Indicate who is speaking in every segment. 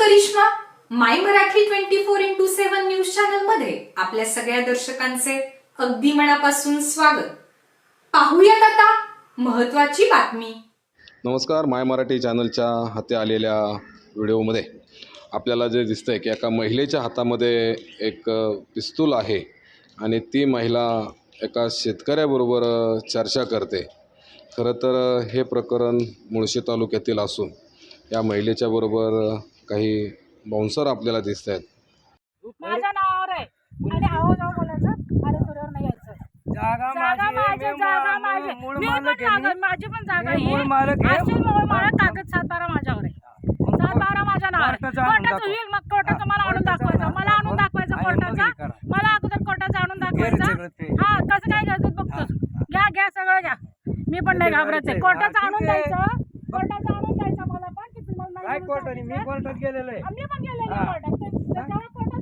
Speaker 1: Karishma my Marathi 24x7 news channel मध्ये आपल्या सगळ्या दर्शकांचे अगदी मनापासून स्वागत। पाहूयात आता महत्त्वाची बातमी।
Speaker 2: नमस्कार, माय मराठी चॅनलच्या हाती आलेल्या व्हिडिओमध्ये आपल्याला जे दिसतंय की एका महिलेच्या हातामध्ये एक पिस्तूल आहे आणि ती महिला एका शेतकऱ्याबरोबर चर्चा करते। खरं तर हे प्रकरण मुळशी तालुक्यातील असून या महिलेच्या बरोबर काही बाउन्सर आपल्याला दिसत आहेत।
Speaker 3: माझ्या नावावर आहे आणि आहो जाऊ बोलायचं, अरे तुझ्यावर नाही यायचं। जागा माझी मी पण जागा, माझी पण जागा ही मूळ मालक कागद 7/12 माझ्यावर आहे। 7/12 माझ्या नावावर कोर्टाचं होईल, मग कोर्टाचं मला आणून दाखवायचं, कोर्टाचा मला अगोदर कोर्टाचं आणून दाखवायचं। हा कसं काय घ्यायचं बघतोस, घ्या सगळं घ्या, मी पण नाही घाबरायचं। कोर्टाचं आणून द्यायचं, मला पण की तुम्हाला नाही कोर्टाने मी कोर्टात गेलेलो आहे, मी पण गेलेलो आहे कोर्टात। त्याच्यावर कोर्टात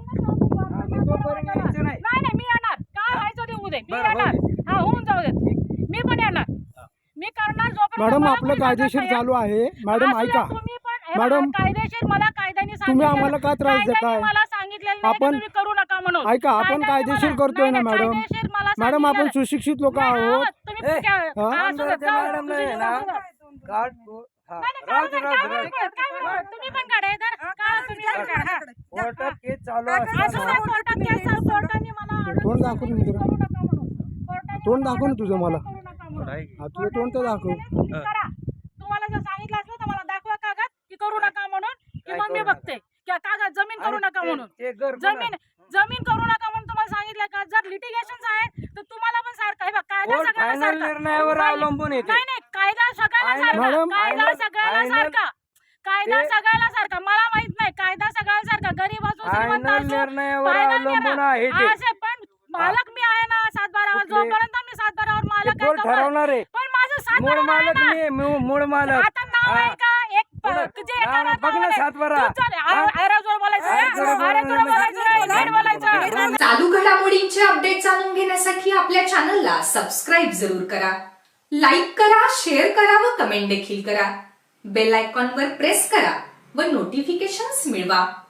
Speaker 3: नाही मी येणार, काय व्हायचं ते होऊ दे, मी येणार। हा होऊन जाऊ दे, मी पण येणार, मी करणार जोपर्यंत।
Speaker 4: मॅडम आपलं कायदेशीर चालू आहे। मॅडम ऐका, मॅडम
Speaker 3: कायदेशीर मला कायद्याने
Speaker 4: तुम्ही आम्हाला का त्रास देताय?
Speaker 3: मला सांगितलेलं
Speaker 4: आपण
Speaker 3: करू नका म्हणून।
Speaker 4: ऐका, आपण कायदेशीर करतोय ना मॅडम। मॅडम आपण सुशिक्षित लोक आहोत।
Speaker 3: तुम्ही पण काढा
Speaker 4: कोर्टात केस चालू आहे। तोंड दाखव तोंड दाखव ना तुझं, मला तुझं तोंड तर दाखव।
Speaker 3: तुम्हाला जर सांगितलं असलं तर मला दाखवा कागद की करू नका म्हणून, की मग मी बघते की कागद जमीन करू नका म्हणून। जमीन करू नका म्हणून तुम्हाला सांगितलं का? जर लिटिगेशन आहे तर तुम्हाला पण सारखं, हे बघ कायदा सगळ्यांना
Speaker 4: निर्णयावर अवलंबून आहे।
Speaker 3: नाही कायदा सगळ्याला सारखा, कायदा सगळ्याला सारखा। मला माहित नाही, कायदा सगळ्याला सारखा, गरीब असो श्रीमंत असो, असे पण मालक मी आहे ना 7/12 जोपर्यंत मी 7/12 मालक आहे, पण माझं 7/12
Speaker 4: मूळ मालक
Speaker 3: आता नाव आहे का? एक तुझे
Speaker 1: चालू घडामोडींचे अपडेट जाणून घेण्यासाठी आपल्या चॅनलला सबस्क्राईब जरूर करा, लाईक करा, शेअर करा व कमेंट देखील करा। बेल आयकॉनवर प्रेस करा व नोटिफिकेशन्स मिळवा।